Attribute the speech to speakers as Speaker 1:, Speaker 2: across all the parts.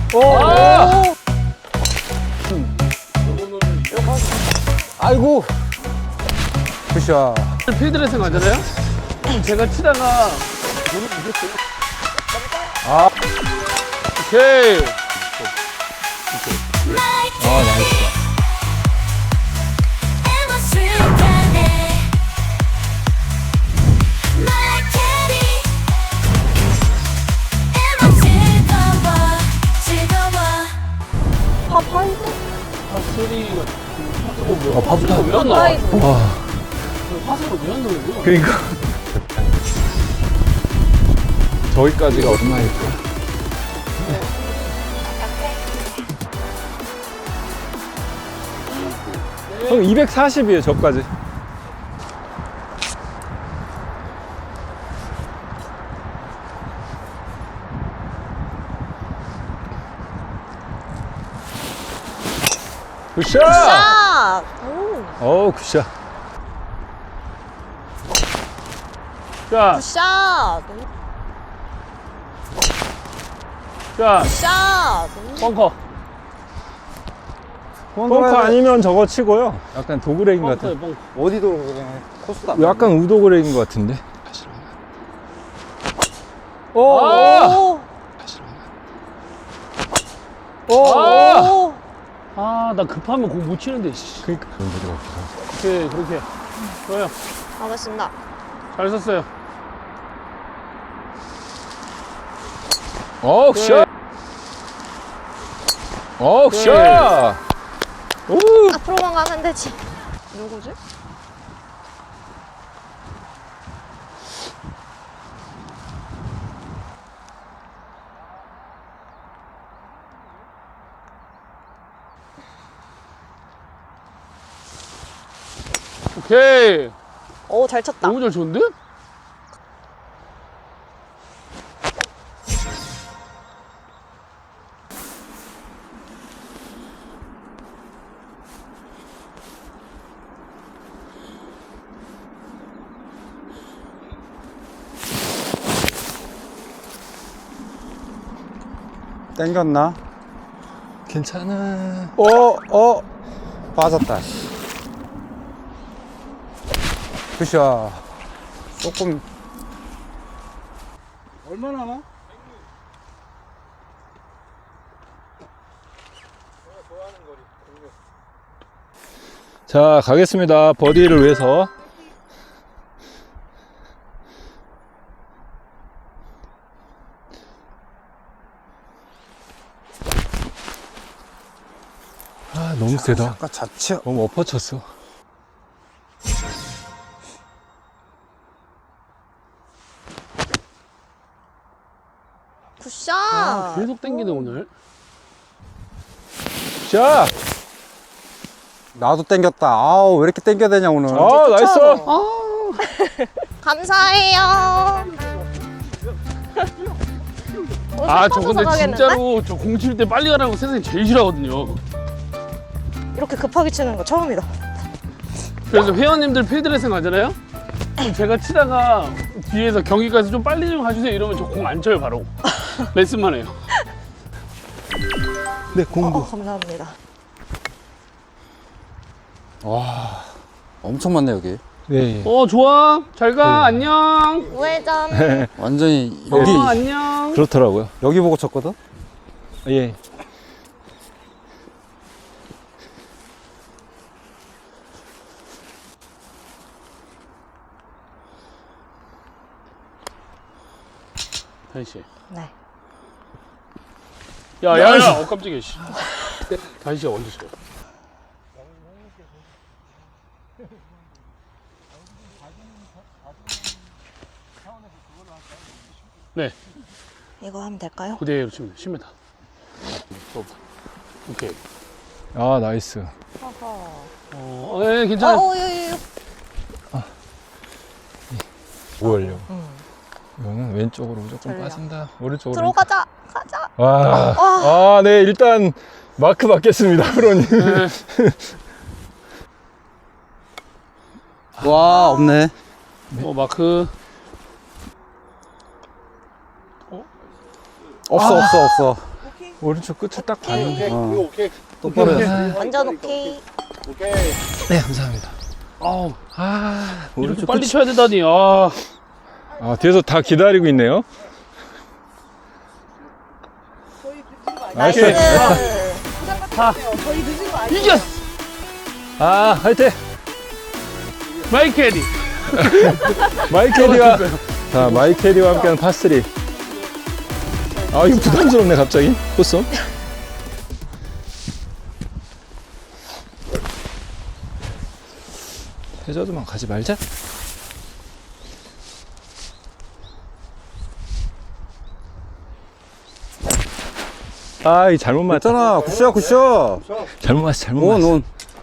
Speaker 1: 아! 아이고. 굿샷.
Speaker 2: 필드레싱 하잖아요? 제가 치다가 눈을 부셨어요.
Speaker 1: 아.
Speaker 2: 오케이.
Speaker 1: 아, 나이스.
Speaker 2: 파스리가
Speaker 1: 파부타.
Speaker 2: 왜 안 나와?
Speaker 1: 와.
Speaker 2: 파스가 왜 안 나오는 거야?
Speaker 1: 그러니까. 저기까지가 얼마일까? 형 240이에요, 저까지. 굿샷!
Speaker 3: 샷! 오,
Speaker 1: 어우, 굿샷.
Speaker 2: 자,
Speaker 3: 굿샷!
Speaker 2: 자,
Speaker 3: 굿샷!
Speaker 2: 벙커.
Speaker 1: 벙커 아니면 저거 치고요. 약간 도그레인 같은.
Speaker 2: 벙커에 벙커.
Speaker 4: 어디도 그냥 코스도 안
Speaker 1: 약간 우도그레인 것 같은데.
Speaker 2: 오! 아!
Speaker 3: 오,
Speaker 2: 아!
Speaker 3: 오.
Speaker 2: 아, 나 급하면 공 못 치는데, 씨.
Speaker 1: 그러니까.
Speaker 2: 오케이, 그렇게. 좋아요.
Speaker 3: 알겠습니다.
Speaker 2: 잘 썼어요.
Speaker 1: 어, 굿샷! 어, 굿샷! 오!
Speaker 3: 앞으로만 가면 되지. 누구지?
Speaker 2: 오케이.
Speaker 3: 오, 잘 쳤다.
Speaker 2: 너무 잘 쳤는데?
Speaker 4: 땡겼나?
Speaker 1: 괜찮아.
Speaker 4: 빠졌다. 굿샷. 조금. 얼마 남아?
Speaker 1: 자, 가겠습니다. 버디를 위해서. 아, 너무 세다.
Speaker 4: 아까 자체.
Speaker 1: 너무 엎어쳤어.
Speaker 3: 굿샷!
Speaker 2: 아, 계속 땡기네, 오늘.
Speaker 1: 자,
Speaker 4: 나도 땡겼다. 아우, 왜 이렇게 땡겨야 되냐, 오늘.
Speaker 1: 아, 나이스.
Speaker 3: 감사해요.
Speaker 2: 아, 저 근데 진짜로 저 공 칠 때 빨리 가라는 거 세상에 제일 싫어하거든요.
Speaker 3: 이렇게 급하게 치는 거 처음이다.
Speaker 2: 그래서 회원님들 필드레슨 하잖아요? 그럼 제가 치다가 뒤에서 경기까지 좀 빨리 좀 가주세요 이러면 저 공 안 쳐요, 바로. 레슨만 해요.
Speaker 1: 네, 공부.
Speaker 3: 감사합니다.
Speaker 4: 와, 엄청 많네, 여기.
Speaker 1: 네.
Speaker 2: 좋아. 잘 가. 안녕.
Speaker 3: 우회전.
Speaker 4: 완전히, 여기,
Speaker 2: 안녕.
Speaker 1: 그렇더라고요.
Speaker 4: 여기 보고 쳤거든?
Speaker 1: 예.
Speaker 2: 다현 씨.
Speaker 3: 네.
Speaker 2: 야. 깜짝이야, 씨. 다현 씨가 언제 쳐요? 네.
Speaker 3: 이거 하면 될까요?
Speaker 2: 그대로 치면 돼. 10m. 오케이.
Speaker 1: 아, 나이스.
Speaker 3: 어허.
Speaker 2: 네, 괜찮아요.
Speaker 3: 예.
Speaker 1: 뭐하려? 이거는 왼쪽으로 무조건
Speaker 3: 전략.
Speaker 1: 빠진다. 오른쪽으로.
Speaker 3: 들어가자. 가자.
Speaker 1: 와. 아, 네, 일단 마크 받겠습니다, 프로님.
Speaker 2: 네.
Speaker 4: 와, 없네.
Speaker 2: 마크.
Speaker 4: 없어.
Speaker 1: 오른쪽 끝을 딱 봤는데.
Speaker 2: 오케이.
Speaker 4: 똑바로 해.
Speaker 3: 완전 오케이.
Speaker 1: 네, 감사합니다.
Speaker 2: 아우, 이렇게
Speaker 1: 오른쪽
Speaker 2: 빨리
Speaker 1: 끝이.
Speaker 2: 쳐야 되다니. 아,
Speaker 1: 아, 뒤에서 다 기다리고 있네요.
Speaker 3: 나이스.
Speaker 2: 이겼어.
Speaker 1: 아, 화이팅!
Speaker 2: 마이크 에디.
Speaker 1: 마이캐디와, 자, 마이캐디와 함께하는 파3. 아, 이거 부담스럽네, 갑자기. 코스. 해저드만 가지 말자. 아, 이 잘못 맞았다.
Speaker 4: 맞잖아. 굿샷, 굿샷.
Speaker 1: 잘못 맞았어, 잘못
Speaker 4: 온,
Speaker 1: 맞았어.
Speaker 4: 온.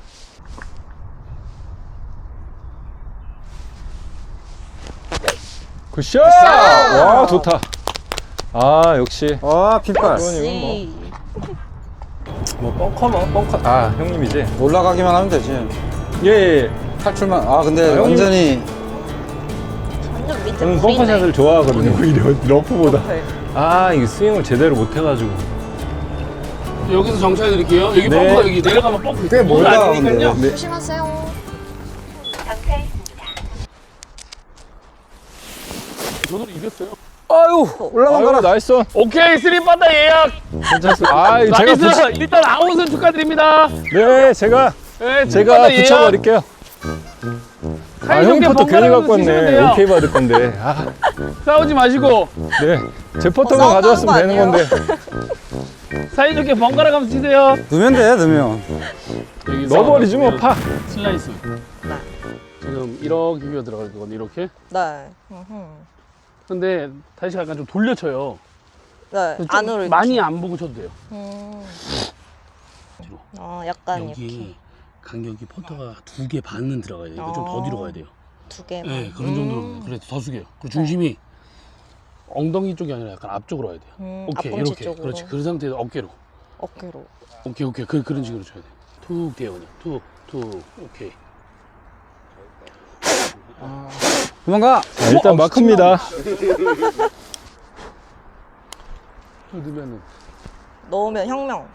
Speaker 1: 굿샷! 와, 좋다. 아, 역시.
Speaker 4: 아, 핏발.
Speaker 3: 역시.
Speaker 1: 뭐, 벙커. 아, 형님이지?
Speaker 4: 올라가기만 하면 되지.
Speaker 1: 예, 예.
Speaker 4: 탈출만. 아, 근데
Speaker 1: 형님.
Speaker 4: 완전히.
Speaker 3: 완전 밑에
Speaker 1: 저는
Speaker 3: 보이네.
Speaker 1: 벙커샷을 좋아하거든요, 오히려 러프보다.
Speaker 3: 네.
Speaker 1: 아, 이게 스윙을 제대로 못 해가지고.
Speaker 2: 여기서 정차해 드릴게요. 여기
Speaker 1: 네.
Speaker 2: 뻥커 여기 내려가면 뻥커.
Speaker 4: 꽤 멀다,
Speaker 2: 아니니까요.
Speaker 4: 근데.
Speaker 1: 네.
Speaker 3: 조심하세요.
Speaker 2: 저도 이겼어요.
Speaker 4: 아유, 올라간
Speaker 1: 아유,
Speaker 4: 거라.
Speaker 1: 나이스.
Speaker 2: 오케이, 3바다 예약.
Speaker 1: 괜찮습니다. 아, 이거 제가
Speaker 2: 나이스. 일단 아웃은 축하드립니다.
Speaker 1: 네, 제가
Speaker 2: 네,
Speaker 1: 제가
Speaker 2: 3바다 예약.
Speaker 1: 붙여버릴게요. 아, 형이
Speaker 2: 사이좋게
Speaker 1: 포터 괜히
Speaker 2: 번갈아가면서
Speaker 1: 갖고
Speaker 2: 치시면
Speaker 1: 왔네.
Speaker 2: 돼요.
Speaker 1: 오케이 받을 건데. 아,
Speaker 2: 싸우지 마시고
Speaker 1: 네. 제 포터만
Speaker 3: 싸운다는
Speaker 1: 가져왔으면
Speaker 3: 거
Speaker 1: 되는
Speaker 3: 아니에요?
Speaker 1: 건데.
Speaker 2: 사이좋게 번갈아가면서 치세요.
Speaker 4: 넣으면 돼, 넣으면.
Speaker 2: 여기
Speaker 1: 넣어버리지 뭐, 파.
Speaker 2: 슬라이스.
Speaker 3: 네.
Speaker 2: 지금 이렇게 비어 들어갈 거거든요. 이렇게.
Speaker 3: 네. 음흠.
Speaker 2: 근데 다시 약간 좀 돌려쳐요.
Speaker 3: 네.
Speaker 2: 좀
Speaker 3: 안으로
Speaker 2: 많이
Speaker 3: 이렇게.
Speaker 2: 안 보고 쳐도 돼요. 뒤로.
Speaker 3: 약간 이렇게
Speaker 2: 여기 간격이 포터가 2개 반은 들어가야 돼요. 좀 더 뒤로 가야 돼요.
Speaker 3: 2개만.
Speaker 2: 네, 그런 정도로 그래도 더 숙여요. 그리고 중심이 엉덩이 쪽이 아니라 약간 앞쪽으로 와야 돼요. 오케이,
Speaker 3: 앞꿈치
Speaker 2: 이렇게.
Speaker 3: 쪽으로.
Speaker 2: 그렇지. 그 상태에서 어깨로.
Speaker 3: 어깨로.
Speaker 2: 오케이. 그런 식으로 쳐야 돼. 툭 뒤에 그냥. 툭. 오케이.
Speaker 4: 도망가.
Speaker 1: 자, 일단 마크입니다.
Speaker 2: 저 넣으면은.
Speaker 3: 넣으면 혁명.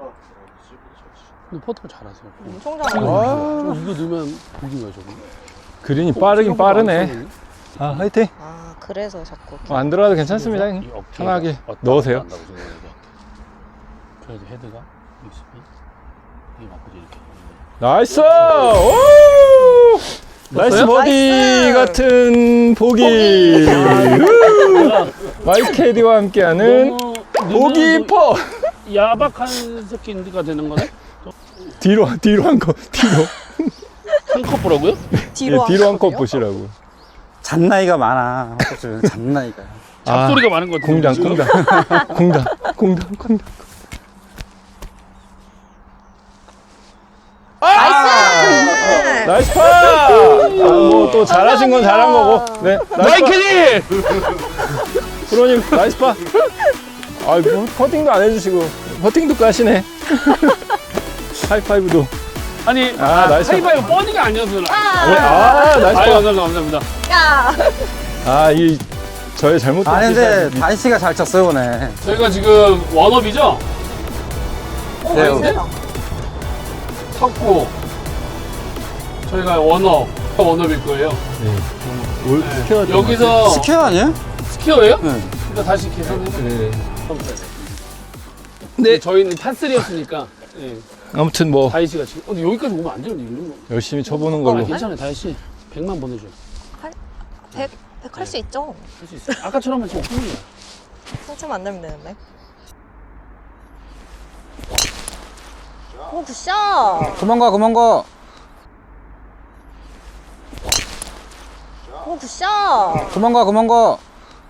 Speaker 2: 근데 포터를 잘하세요.
Speaker 3: 총장.
Speaker 2: 저 이거 넣으면 보기가 저거.
Speaker 1: 그린이 빠르긴 빠르네. 아, 화이팅.
Speaker 3: 그래서 자꾸.
Speaker 1: 안 들어가도 괜찮습니다.
Speaker 2: 이
Speaker 1: 형님.
Speaker 2: 어깨가
Speaker 1: 편하게
Speaker 2: 왔다
Speaker 1: 넣으세요.
Speaker 2: 갔다 한다고 생각해요. 그래도 헤드가 있으면 이게 맞고 이렇게.
Speaker 1: 나이스! 오! 나이스 버디
Speaker 3: 나이스!
Speaker 1: 같은 보기. 마이캐디와 함께하는 보기 퍼.
Speaker 2: 야박한 새끼가 되는 거네?
Speaker 1: 뒤로 한 컵, 뒤로.
Speaker 2: 한 컵보라고요?
Speaker 3: 뒤로,
Speaker 1: 예, 뒤로 한 컵
Speaker 3: 하거든요?
Speaker 1: 보시라고.
Speaker 4: 잔나이가 많아. 잔나이가.
Speaker 2: 잡소리가 많은 것 같은데.
Speaker 1: 공당. 나이스 파! 뭐 또 잘하신 건 잘한 거고. 네, 나이스 파.
Speaker 2: 마이클이!
Speaker 1: 프로님, 나이스 파. 아, 뭐 퍼팅도 안 해주시고 퍼팅도 까시네. 하이파이브도.
Speaker 2: 아니,
Speaker 1: 나이스.
Speaker 2: 하이파이브 뻔히가 아니어서.
Speaker 1: 나이스
Speaker 2: 아유,
Speaker 1: 파.
Speaker 2: 감사합니다.
Speaker 3: 야!
Speaker 1: 아, 이 저의 잘못된
Speaker 4: 아니, 근데
Speaker 1: 기사입니다.
Speaker 4: 다이씨가 잘 쳤어요, 오늘.
Speaker 2: 저희가 지금 원업이죠?
Speaker 4: 네.
Speaker 3: 세다.
Speaker 2: 섞고. 저희가 원업일 거예요.
Speaker 1: 올 스퀘어
Speaker 2: 여기서
Speaker 4: 스퀘어 아니에요?
Speaker 2: 스퀘어예요?
Speaker 4: 네.
Speaker 2: 일단 다시 계산해서.
Speaker 1: 네.
Speaker 2: 네, 저희는 파3였으니까. 네.
Speaker 1: 아무튼 뭐
Speaker 2: 다이씨가 지금. 근데 여기까지 오면 안 되는데,
Speaker 1: 열심히 쳐보는 걸로.
Speaker 2: 괜찮아요, 다이씨. 100만 보내줘요.
Speaker 3: 100 할 수 있죠?
Speaker 2: 할 수 있어요. 아까처럼만 지금 오픈이야.
Speaker 3: 상처만 안 내면 되는데. 오, 굿샷!
Speaker 4: 도망가.
Speaker 3: 오, 굿샷!
Speaker 4: 도망가.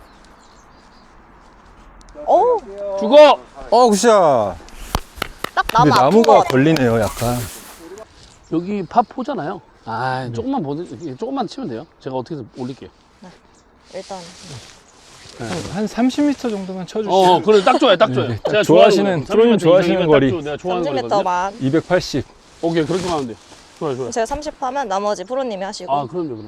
Speaker 3: 오,
Speaker 2: 죽어!
Speaker 4: 굿샷.
Speaker 3: 딱
Speaker 1: 근데
Speaker 3: 나무 아픈
Speaker 1: 나무가
Speaker 3: 거 같아.
Speaker 1: 걸리네요, 약간.
Speaker 2: 여기 파4잖아요. 조금만 치면 돼요. 제가 어떻게든 올릴게요.
Speaker 3: 일단
Speaker 1: 한 30m 정도만 쳐주시면.
Speaker 2: 그래, 딱 좋아요, 딱 좋아요.
Speaker 1: 네, 딱
Speaker 2: 제가
Speaker 1: 좋아하시는, 프로님 좋아하시는 거리.
Speaker 2: 내가 좋아하는 거리거든요.
Speaker 3: 30m만.
Speaker 1: 280.
Speaker 2: 오케이, 그렇게 하면 돼요. 좋아요.
Speaker 3: 제가 30 하면 나머지 프로님이 하시고.
Speaker 2: 아, 그럼요.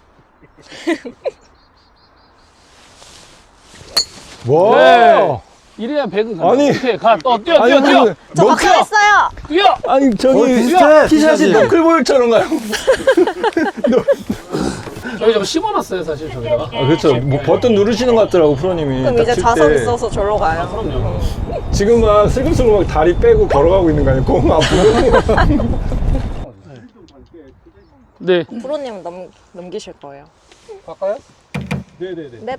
Speaker 1: 와!
Speaker 2: 네. 이래야 백은 간다.
Speaker 1: 아니.
Speaker 2: 오케이, 가. 뛰어.
Speaker 3: 저 박살했어요.
Speaker 2: 뛰어.
Speaker 1: 아니 저기
Speaker 4: 비슷해.
Speaker 1: 티샷이 너클볼처럼 가요.
Speaker 2: 저희 좀 심어놨어요, 사실 저기다가.
Speaker 1: 아 그렇죠. 뭐 버튼 누르시는 것 같더라고 프로님이.
Speaker 3: 그럼
Speaker 1: 딱
Speaker 3: 이제
Speaker 1: 칠
Speaker 3: 자석
Speaker 1: 때.
Speaker 3: 있어서 절로 가요.
Speaker 2: 그럼요.
Speaker 1: 지금 막 슬금슬금 막 다리 빼고 걸어가고 있는 거 아니에요? 공 앞으로.
Speaker 2: 네.
Speaker 3: 프로님은 넘기실 거예요.
Speaker 4: 갈까요?
Speaker 1: 네네네.
Speaker 3: 네.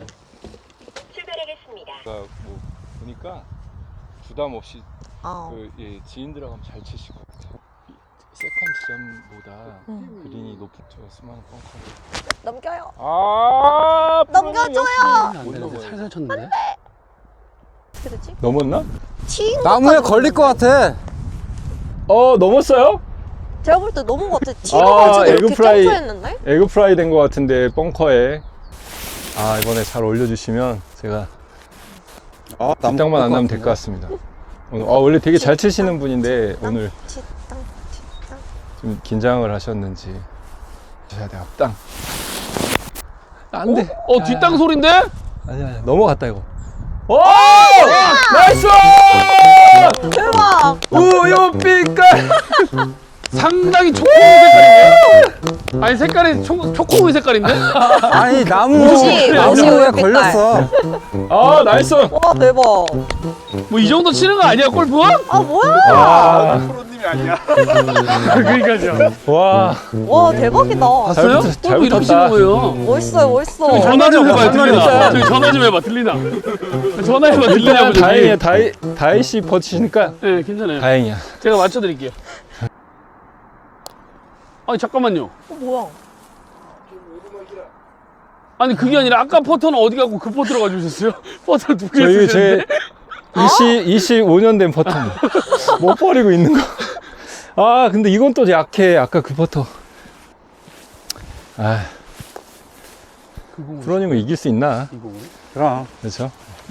Speaker 1: 뭐 보니까 부담 없이
Speaker 3: 아,
Speaker 1: 지인들하고 잘 치실 것 같아요. 세컨 지점보다 그린이 높은 쪽이었으면 뻥커.
Speaker 3: 넘겨요.
Speaker 1: 아
Speaker 3: 넘겨줘요.
Speaker 2: 안 되는데 살살 쳤는데.
Speaker 3: 어떻게 됐지?
Speaker 1: 넘었나?
Speaker 3: 튀인
Speaker 4: 나무에
Speaker 3: 것
Speaker 4: 걸릴 것 같아.
Speaker 1: 넘었어요?
Speaker 3: 제가 볼 때 넘은 것 같아. 튀는
Speaker 1: 아,
Speaker 3: 걸 이렇게
Speaker 1: 에그프라이.
Speaker 3: 점프했는데?
Speaker 1: 에그 프라이 된 것 같은데 벙커에. 아 이번에 잘 올려주시면 제가 뒷땅만 안 나면 될 것 같습니다. 오늘 원래 되게 잘 치시는 분인데 오늘
Speaker 3: 치땅, 치땅.
Speaker 1: 좀 긴장을 하셨는지 쳐야 돼 앞땅. 안 돼.
Speaker 2: 뒷땅 소린데?
Speaker 1: 아니야 넘어갔다 이거. 오! 나이스!
Speaker 3: 대박!
Speaker 1: 우유빛깔!
Speaker 2: 상당히 초코우유 색깔인데요? 아니 색깔이 초코우유 색깔인데?
Speaker 4: 아니
Speaker 3: 옷이
Speaker 4: 나무에
Speaker 3: 우유빛깔.
Speaker 4: 걸렸어.
Speaker 1: 아 나이스!
Speaker 3: 와, 대박.
Speaker 2: 뭐 이 정도 치는 거 아니야 골프?
Speaker 3: 아, 뭐야?
Speaker 1: 아,
Speaker 2: 그러니까요.
Speaker 1: 와.
Speaker 3: 와, 대박이다.
Speaker 2: 봤어요?
Speaker 1: 잘
Speaker 2: 골프 이렇게
Speaker 1: 붙었다.
Speaker 2: 치는 거예요.
Speaker 3: 멋있어요, 멋있어.
Speaker 2: 전화 좀 해봐요 들리나?
Speaker 1: 일단.
Speaker 2: 저기 전화 좀 해봐 들리나? 전화해봐 들리냐고
Speaker 1: 일단 다행이야. 다이씨 퍼치시니까
Speaker 2: 네 괜찮아요.
Speaker 1: 다행이야.
Speaker 2: 제가 맞춰드릴게요. 아니 잠깐만요.
Speaker 3: 뭐야?
Speaker 2: 아니 그게 아니라 아까 퍼터는 어디 가고 그 퍼터로 가져오셨어요? 퍼터 두 개
Speaker 1: 저희
Speaker 2: 쓰셨는데?
Speaker 1: 제 25년 된 퍼터 못 버리고 있는 거. 아 근데 이건 또 약해. 아까 그 퍼터. 아 프로님은 이길 수 있나?
Speaker 4: 그럼.
Speaker 1: 그렇죠?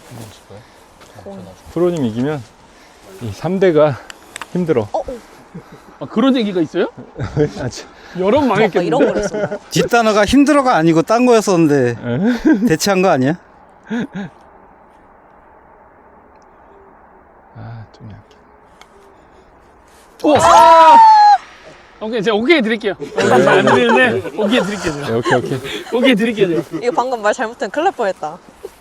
Speaker 1: 프로님 이기면 이 3대가 힘들어.
Speaker 2: 아, 그런 얘기가 있어요?
Speaker 1: 아, 참.
Speaker 2: 여름
Speaker 3: 아까
Speaker 2: 망했겠는데?
Speaker 3: 이런 걸 했었나요?
Speaker 4: 뒷단어가 힘들어가 아니고 딴 거였었는데 대체한 거 아니야?
Speaker 1: 아, 좀 약해.
Speaker 2: 오! 오케이 제가 오케이 드릴게요. 안 드리는데 오케이 드릴게요. 제가.
Speaker 1: 네, 오케이.
Speaker 2: 오케이 드릴게요. 제가.
Speaker 3: 이거 방금 말 잘못하면 큰일 날 뻔했다.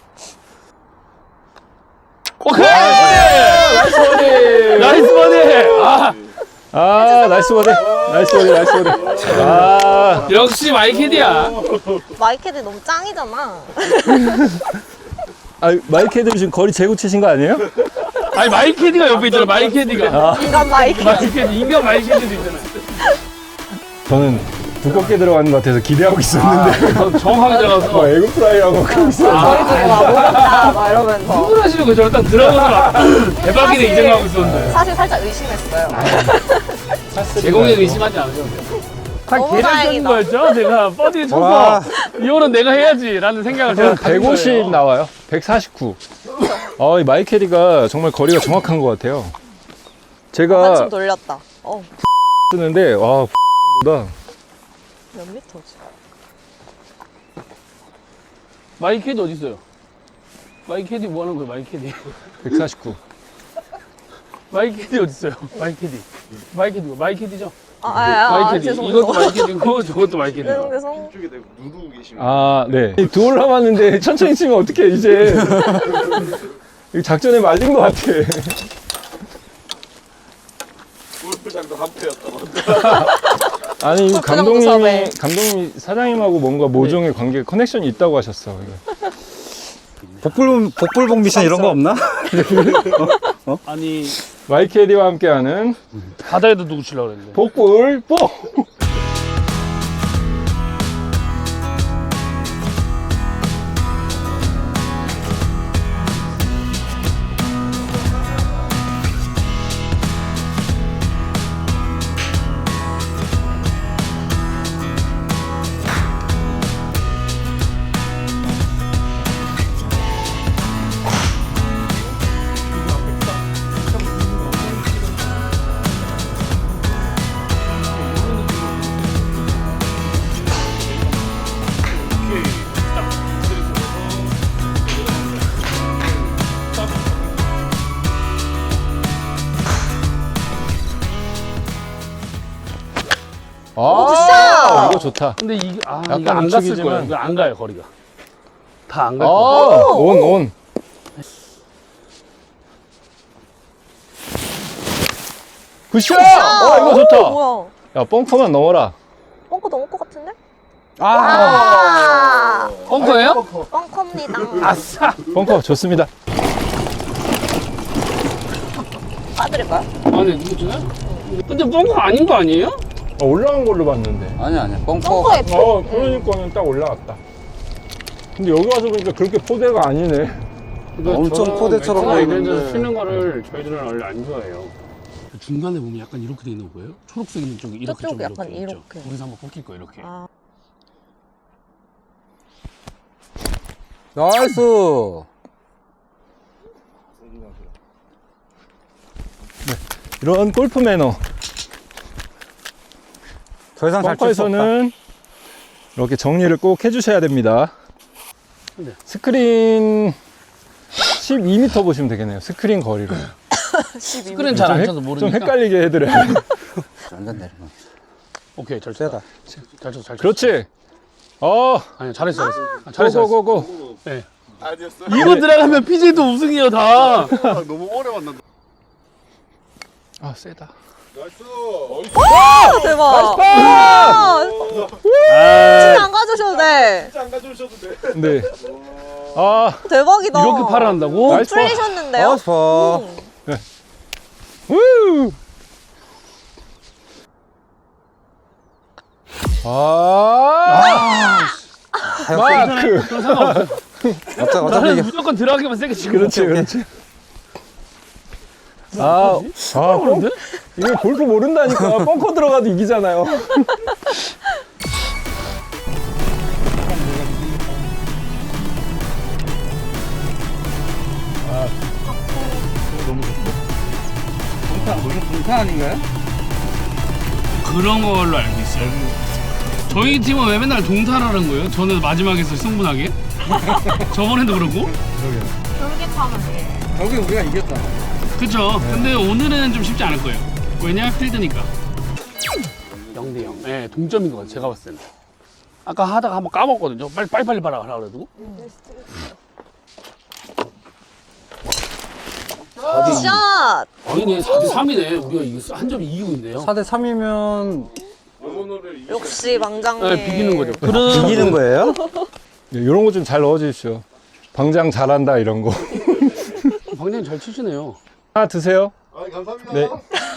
Speaker 2: 오케이!
Speaker 1: 나이스 버디!
Speaker 2: 나이스 버디!
Speaker 1: 나이스 버디! 나이스 버디! 아,
Speaker 2: 역시 마이캐디야.
Speaker 3: 마이캐디 너무 짱이잖아.
Speaker 1: 마이캐드 지금 거리 재고 치신 거 아니에요?
Speaker 2: 아니 마이캐디가 옆에 있잖아. 마이캐디가.
Speaker 3: 인간 마이캐디.
Speaker 2: 마이캐디 인간 마이캐디도 있잖아.
Speaker 1: 저는 두껍게 들어가는 것 같아서 기대하고 있었는데.
Speaker 2: 정확하게 들어가서.
Speaker 1: 에그 프라이라고 하고 있어요.
Speaker 3: 저희 둘이 막 모른다 막 이러면서.
Speaker 2: 흥분하시는 거 저를 딱 들어가서 대박이네 이 생각하고 있었는데.
Speaker 3: 사실 살짝 의심했어요.
Speaker 2: 제공에 의심하지 않으셔도 돼요. 다
Speaker 3: 너무
Speaker 2: 계산적인
Speaker 3: 다행이다.
Speaker 2: 거였죠? 제가 버디를
Speaker 4: 와.
Speaker 2: 쳐서 이거는 내가 해야지라는 생각을 제가 가진
Speaker 1: 150
Speaker 2: 거예요.
Speaker 1: 나와요. 149. 이 마이캐디가 정말 거리가 정확한 것 같아요. 제가
Speaker 3: 한참 돌렸다.
Speaker 1: 쓰는데, 와, 보다
Speaker 3: 몇 미터지?
Speaker 2: 마이캐디 어디 있어요? 마이캐디 뭐 하는 거예요? 마이캐디.
Speaker 1: 149.
Speaker 2: 마이캐디 어디 있어요? 마이캐디. 마이캐디죠? 마이캐디.
Speaker 3: 죄송해요.
Speaker 2: 이것도 마이캐디고 저것도 마이캐디고.
Speaker 3: 죄송.
Speaker 1: 아, 네. 두홀 남았는데 천천히 치면 어떡해, 이제. 이 작전에 말린 것 같아. 골프장도 한패였다. 아니, 이거
Speaker 3: 골프장도 섭외.
Speaker 1: 감독님이 사장님하고 뭔가 모종의 관계, 커넥션이 있다고 하셨어. 이거.
Speaker 4: 복불복 미션 이런 거 없나?
Speaker 2: 아니
Speaker 1: 마이캐디와 함께하는
Speaker 2: 바다에도 누구 치려고 그랬는데.
Speaker 1: 복불 뽀! 아, 이거 좋다.
Speaker 2: 근데 이게
Speaker 1: 약간
Speaker 2: 이거 안 갔을
Speaker 1: 우측이지만.
Speaker 2: 거예요. 이거 안 가요 거리가. 다 안 갈
Speaker 1: 아,
Speaker 2: 거예요.
Speaker 1: 온. 굿샷! 이거 좋다.
Speaker 3: 뭐야?
Speaker 1: 야, 벙커만 넣어라.
Speaker 3: 뻥커 넘을 것 같은데?
Speaker 4: 아,
Speaker 2: 벙커예요?
Speaker 3: 뻥커입니다.
Speaker 2: 아싸.
Speaker 1: 벙커 좋습니다.
Speaker 3: 빠드릴까요?
Speaker 2: 아니 누구 주나요? 근데 벙커 아닌 거 아니에요?
Speaker 1: 올라간 걸로 봤는데.
Speaker 4: 아니야. 뻥커.
Speaker 3: 뻥커에
Speaker 1: 그러니까는 딱 올라갔다. 근데 여기 와서 보니까 그렇게 포대가 아니네.
Speaker 4: 엄청 포대처럼 보이는데.
Speaker 2: 이런데서 치는 거를 저희들은 원래 안 좋아해요. 중간에 보면 약간 이렇게 돼 있는 거 보여요? 초록색 있는 쪽이 이렇게
Speaker 3: 저쪽이
Speaker 2: 좀
Speaker 3: 약간
Speaker 2: 이렇게 있죠?
Speaker 3: 이렇게.
Speaker 2: 거기서 한번 꺾일 거예요 이렇게.
Speaker 3: 아,
Speaker 4: 나이스.
Speaker 1: 이런 골프 매너.
Speaker 4: 더 이상 잘 칠 수 없다.
Speaker 1: 벙커에서는 이렇게 정리를 꼭 해주셔야 됩니다.
Speaker 2: 네.
Speaker 1: 스크린 12m 보시면 되겠네요. 스크린 거리로.
Speaker 2: 스크린 잘 안 쳐서
Speaker 1: 좀
Speaker 2: 모르니까.
Speaker 1: 헷갈리게 해드려요.
Speaker 4: 완전 내리막.
Speaker 2: 오케이 잘
Speaker 4: 세다.
Speaker 2: 쳤다. 잘 쳤어 잘 쳤어.
Speaker 1: 그렇지.
Speaker 2: 아니 잘했어 잘했어.
Speaker 1: 고고고고.
Speaker 2: 네. 이거 들어가면 PJ도 우승이에요 다.
Speaker 5: 너무 오래 만난다.
Speaker 1: 아, 세다.
Speaker 3: 아, 대박. 아, 진짜 안 가주셔도 돼.
Speaker 5: 안 가져오셔도 돼.
Speaker 1: 네. 아,
Speaker 3: 대박이다.
Speaker 2: 이렇게 팔아 한다고?
Speaker 1: 나이스.
Speaker 3: 풀리셨는데요?
Speaker 4: 나이스 파.
Speaker 1: 우! 마크.
Speaker 2: 그런 상관없어.
Speaker 4: 어차피
Speaker 2: 나는
Speaker 4: 이게
Speaker 2: 무조건 들어가기만 세게 치고.
Speaker 1: 그렇지, 그렇지.
Speaker 2: 그런데?
Speaker 1: 이거 골프 모른다니까. 벙커 들어가도 이기잖아요.
Speaker 4: 동타 아닌가요?
Speaker 2: 그런 걸로 알고 있어요. 저희 팀은 왜 맨날 동타라는 거예요? 저는 마지막에서 승분하게. 저번에도 그러고.
Speaker 4: 결국에 우리가 이겼다.
Speaker 2: 그쵸. 근데 오늘은 좀 쉽지 않을 거예요. 왜냐? 필드니까. 0대0. 네, 동점인 것 같아요. 제가 봤을 때는. 아까 하다가 한번 까먹었거든요. 빨리 봐라 그래가지고.
Speaker 3: 샷.
Speaker 2: 아니네, 4대3이네. 우리가 이겼어. 한 점 이기고 있네요.
Speaker 4: 4대 3이면
Speaker 3: 역시 망장님.
Speaker 2: 네, 비기는 거죠.
Speaker 4: 이기는 거예요?
Speaker 1: 이런 거 좀 잘 넣어주십시오. 방장 잘한다, 이런 거.
Speaker 2: 방장님 잘 치시네요.
Speaker 1: 하나 드세요.
Speaker 5: 아, 감사합니다.
Speaker 1: 네.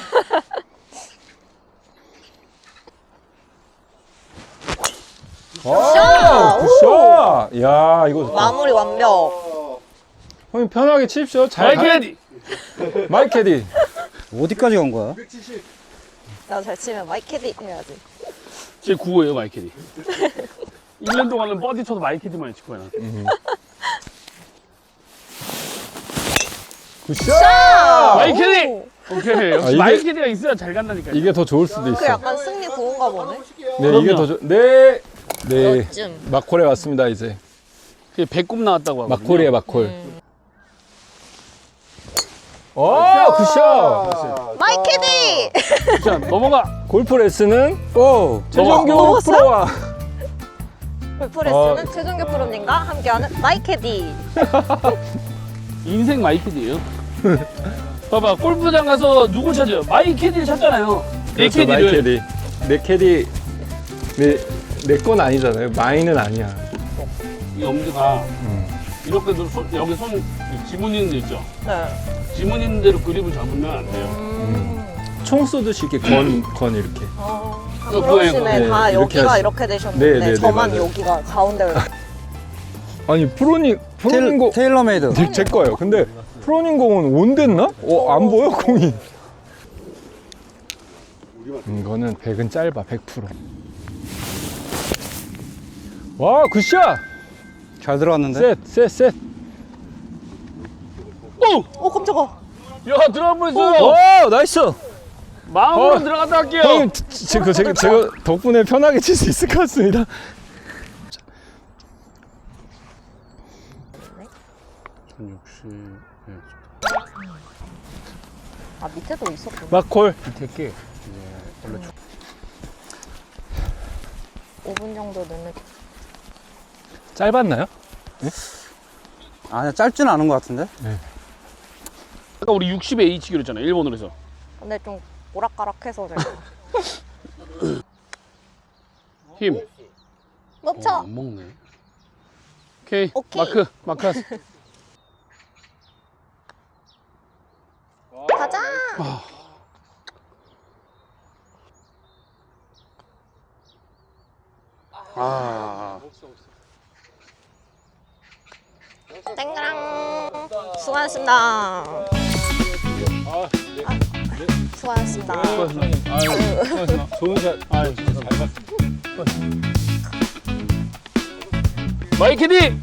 Speaker 3: 샷.
Speaker 1: 굿샷! 야, 이거 좋다.
Speaker 3: 마무리 완벽.
Speaker 1: 형님 편하게 치십시오. 잘
Speaker 2: 마이크헤디!
Speaker 1: 마이캐디.
Speaker 4: 어디까지 간 거야?
Speaker 3: 나 잘 치면 마이캐디 해야지.
Speaker 2: 제 9호예요, 마이캐디. 1년 동안은 버디 쳐도 마이캐디만 칠 거야.
Speaker 1: 굿샷!
Speaker 2: 마이캐디!
Speaker 3: 오.
Speaker 2: 오케이. 역시
Speaker 1: 이게-
Speaker 2: 마이캐디가 있어야 잘 간다니까요.
Speaker 1: 이게 더 좋을 수도
Speaker 3: 그
Speaker 1: 있어.
Speaker 3: 약간 승리 구운가 보네.
Speaker 1: 네, 이게 더 네. 네.
Speaker 3: 멋짐.
Speaker 1: 막콜에 왔습니다, 이제.
Speaker 2: 그게 배꼽 나왔다고 하거든요.
Speaker 1: 막콜이에요, 막콜. 굿샷!
Speaker 3: 마이캐디.
Speaker 2: 자, 넘어가.
Speaker 1: 골프 레슨은
Speaker 4: 오!
Speaker 1: 최정규
Speaker 3: 넘어갔어요?
Speaker 1: 프로와
Speaker 3: 골프레슨은 최종규 프로님과 함께하는 마이캐디.
Speaker 2: 인생 마이캐디예요. 봐봐, 골프장 가서 누굴 찾아요? 마이캐디를 찾잖아요. 내
Speaker 1: 그렇죠,
Speaker 2: 캐디를.
Speaker 1: 마이캐디. 내 캐디 내 건 아니잖아요. 마이는 아니야.
Speaker 2: 이 엄지가 이렇게도 여기 손 지문 있는 데 있죠?
Speaker 3: 네.
Speaker 2: 지문 있는 대로 그립을 잡으면 안 돼요.
Speaker 1: 총 쏘듯이 이렇게 건 이렇게.
Speaker 3: 그러시네.
Speaker 1: 네,
Speaker 3: 다
Speaker 1: 이렇게
Speaker 3: 여기가
Speaker 1: 하시-
Speaker 3: 이렇게 되셨는데
Speaker 1: 네, 네, 네,
Speaker 3: 저만
Speaker 1: 맞아요.
Speaker 3: 여기가 가운데로.
Speaker 1: 아니 프로님 공
Speaker 4: 테일러메이드.
Speaker 1: 제 거예요. 근데 프로님 공은 온 됐나? 안 보여 공이. 이거는 100은 짧아 100%. 와 굿샷.
Speaker 4: 잘 들어갔는데?
Speaker 1: 셋.
Speaker 3: 오 깜짝아.
Speaker 2: 야, 들어갈 뻔했어요.
Speaker 1: 와 나이스.
Speaker 2: 마음으로
Speaker 1: 어.
Speaker 2: 들어갔다 할게요.
Speaker 1: 형님 제가 덕분에 편하게 칠 수 있을 것 같습니다.
Speaker 2: 1060.
Speaker 3: 아 밑에도 있었구나.
Speaker 1: 막콜.
Speaker 2: 밑에 게
Speaker 3: 5분 정도 넣는.
Speaker 1: 짧았나요?
Speaker 4: 아니, 짧지는 않은 것 같은데?
Speaker 2: 아까 우리 60에 H기로 했잖아, 일본어로 해서.
Speaker 3: 근데 좀 오락가락해서 제가.
Speaker 2: 힘.
Speaker 3: 놓쳐.
Speaker 2: 안 먹네. 오케이.
Speaker 3: 오케이.
Speaker 2: 마크 하세요.
Speaker 3: 가자.
Speaker 2: 아.
Speaker 3: 땡그랑. 수고하셨습니다. 수고하셨습니다.
Speaker 2: 아유,
Speaker 1: 좋은 샷.
Speaker 2: 아유, 잘 봤습니다. 마이캐디!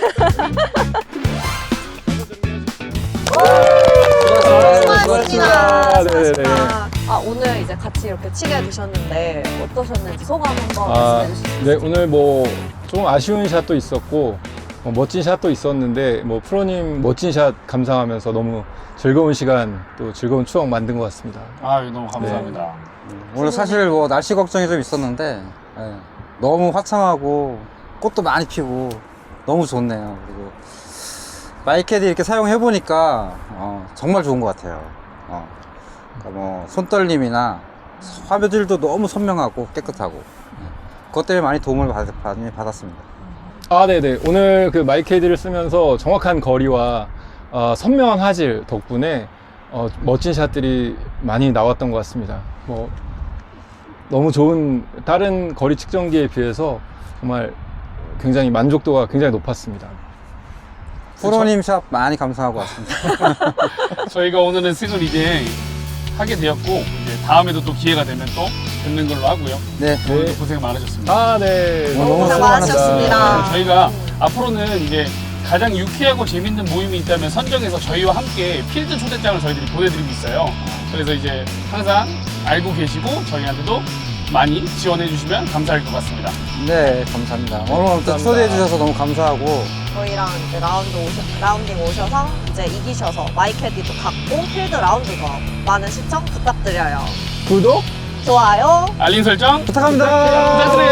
Speaker 3: 수고하셨습니다.
Speaker 1: 네네.
Speaker 3: 수고하셨습니다. 오늘 이제 같이 이렇게 치게 되셨는데 어떠셨는지 소감 한번 말씀해 주시죠.
Speaker 1: 네, 오늘 뭐 좀 아쉬운 샷도 있었고 멋진 샷도 있었는데 뭐 프로님 멋진 샷 감상하면서 너무 즐거운 시간 또 즐거운 추억 만든 것 같습니다.
Speaker 2: 아유, 너무 감사합니다.
Speaker 4: 오늘 사실 뭐 날씨 걱정이 좀 있었는데, 예, 너무 화창하고, 꽃도 많이 피고, 너무 좋네요. 그리고, 마이캐디 이렇게 사용해보니까, 정말 좋은 것 같아요. 그러니까 뭐, 손떨림이나 화면질도 너무 선명하고 깨끗하고, 그것 때문에 많이 도움을 많이 받았습니다.
Speaker 1: 아, 네네. 오늘 그 마이캐디를 쓰면서 정확한 거리와 선명한 화질 덕분에 멋진 샷들이 많이 나왔던 것 같습니다. 뭐 너무 좋은 다른 거리 측정기에 비해서 정말 굉장히 만족도가 굉장히 높았습니다.
Speaker 4: 프로님 샵 많이 감상하고 왔습니다.
Speaker 2: 저희가 오늘은 승을 이제 하게 되었고, 이제 다음에도 또 기회가 되면 또 뵙는 걸로 하고요.
Speaker 4: 네.
Speaker 2: 오늘도 고생 많으셨습니다.
Speaker 1: 아, 네.
Speaker 4: 너무
Speaker 3: 고생 많으셨습니다.
Speaker 2: 저희가 앞으로는 이제 가장 유쾌하고 재밌는 모임이 있다면 선정해서 저희와 함께 필드 초대장을 저희들이 보내드리고 있어요. 그래서 이제 항상 알고 계시고 저희한테도 많이 지원해 주시면 감사할 것 같습니다.
Speaker 4: 네, 감사합니다. 오늘 또 초대해주셔서 너무 감사하고,
Speaker 3: 저희랑 이제 라운딩 오셔서 이제 이기셔서 마이캐디도 갖고 필드 라운드도 많은 시청 부탁드려요.
Speaker 1: 구독?
Speaker 3: 좋아요.
Speaker 2: 알림 설정
Speaker 4: 부탁합니다.
Speaker 2: 부탁드려요.